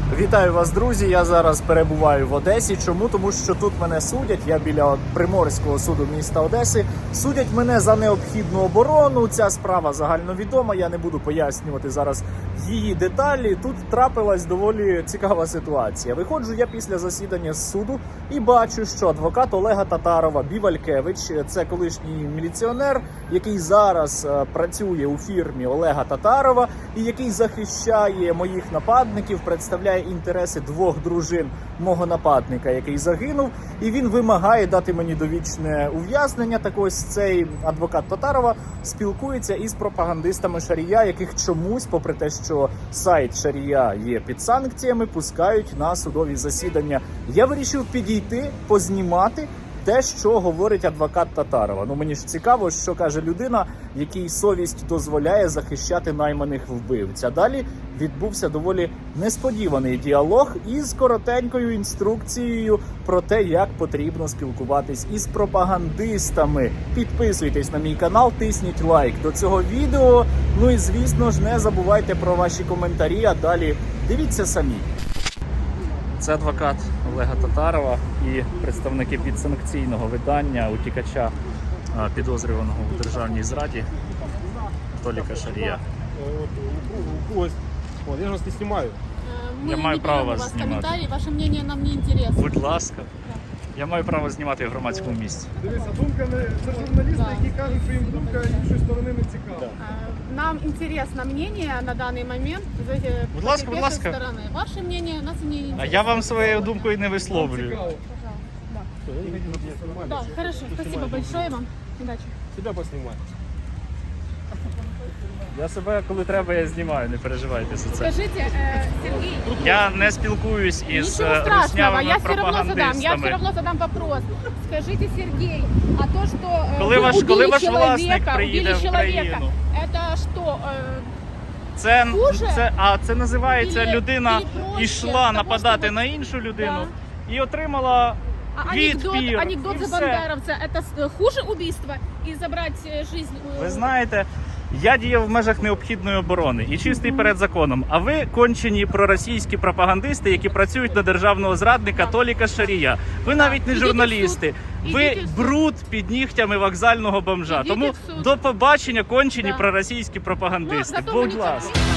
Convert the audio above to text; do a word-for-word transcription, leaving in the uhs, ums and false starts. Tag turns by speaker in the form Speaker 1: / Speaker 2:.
Speaker 1: Вітаю вас, друзі! Я зараз перебуваю в Одесі. Чому? Тому що тут мене судять, я біля Приморського суду міста Одеси. Судять мене за необхідну оборону. Ця справа загальновідома, я не буду пояснювати зараз її деталі. Тут трапилась доволі цікава ситуація. Виходжу я після засідання з суду і бачу, що адвокат Олега Татарова Бівалькевич, це колишній міліціонер, який зараз працює у фірмі Олега Татарова і який захищає моїх нападників, представляє інтереси двох дружин мого нападника, який загинув, і він вимагає дати мені довічне ув'язнення. Так ось цей адвокат Татарова спілкується із пропагандистами Шарія, яких чомусь, попри те, що сайт Шарія є під санкціями, пускають на судові засідання. Я вирішив підійти, познімати те, що говорить адвокат Татарова. Ну, мені ж цікаво, що каже людина, якій совість дозволяє захищати найманих вбивць. А далі відбувся доволі несподіваний діалог із коротенькою інструкцією про те, як потрібно спілкуватись із пропагандистами. Підписуйтесь на мій канал, тисніть лайк до цього відео. Ну і, звісно ж, не забувайте про ваші коментарі, а далі дивіться самі. Це адвокат Олега Татарова і представники підсанкційного видання утікача, підозрюваного у державній зраді Толіка Шарія.
Speaker 2: Вот, я же вас не снимаю.
Speaker 3: Мы
Speaker 1: Я маю
Speaker 3: не
Speaker 1: право
Speaker 3: берем у
Speaker 1: вас
Speaker 3: вас
Speaker 1: знімати.
Speaker 3: комментарии, ваше мнение нам не интересно.
Speaker 1: Будь ласка. Я маю право знімати в громадському місці.
Speaker 2: Дивіться, думка не це журналісти,
Speaker 3: Да.
Speaker 2: які кажуть, що їм думка іншої сторони не цікава.
Speaker 3: А, Нам интересно мнение на данный момент з е,
Speaker 1: Будь ласка, будь ласка.
Speaker 3: сторони. Ваше мнение нас не интересно.
Speaker 1: А я вам своєю думкою не висловлюю.
Speaker 2: Цікаво.
Speaker 3: Да. Да, хорошо, спасибо большое вам. Удачи.
Speaker 2: Себя поснимай.
Speaker 1: Я себе, коли треба, я знімаю, не переживайте за це.
Speaker 3: Скажите, э, Сергей,
Speaker 1: Я не спілкуюсь із
Speaker 3: ничего страшного,
Speaker 1: руснявими
Speaker 3: я все равно задам, я все
Speaker 1: пропагандистами.
Speaker 3: равно задам вопрос. Скажите, Сергей, а то, что э,
Speaker 1: Коли
Speaker 3: вы
Speaker 1: ваш-
Speaker 3: убили
Speaker 1: коли ваш
Speaker 3: человека,
Speaker 1: власник приїде
Speaker 3: убили
Speaker 1: в
Speaker 3: человека,
Speaker 1: Україну?
Speaker 3: это что, э,
Speaker 1: Це,
Speaker 3: Хуже?
Speaker 1: це, а це називається,
Speaker 3: Ілі-
Speaker 1: людина
Speaker 3: ілі проще
Speaker 1: йшла
Speaker 3: того,
Speaker 1: нападати
Speaker 3: щоб-
Speaker 1: на іншу людину і отримала
Speaker 3: а анекдот,
Speaker 1: відпір.
Speaker 3: анекдот
Speaker 1: і
Speaker 3: за
Speaker 1: все.
Speaker 3: бандеровца, это с- хуже убийства и забрать э, жизнь? э,
Speaker 1: Ви знаєте, я діяв в межах необхідної оборони і чистий перед законом. А ви кончені проросійські пропагандисти, які працюють на державного зрадника Толіка Шарія. Ви навіть не
Speaker 3: Ідіть в
Speaker 1: журналісти.
Speaker 3: суд.
Speaker 1: Ви
Speaker 3: Ідіть в суд.
Speaker 1: бруд під нігтями вокзального бомжа.
Speaker 3: Ідіть
Speaker 1: Тому
Speaker 3: в суд.
Speaker 1: до побачення, кончені
Speaker 3: Да.
Speaker 1: проросійські
Speaker 3: Ну,
Speaker 1: пропагандисти.
Speaker 3: зато мы
Speaker 1: Будь
Speaker 3: не
Speaker 1: ласка.
Speaker 3: терпим.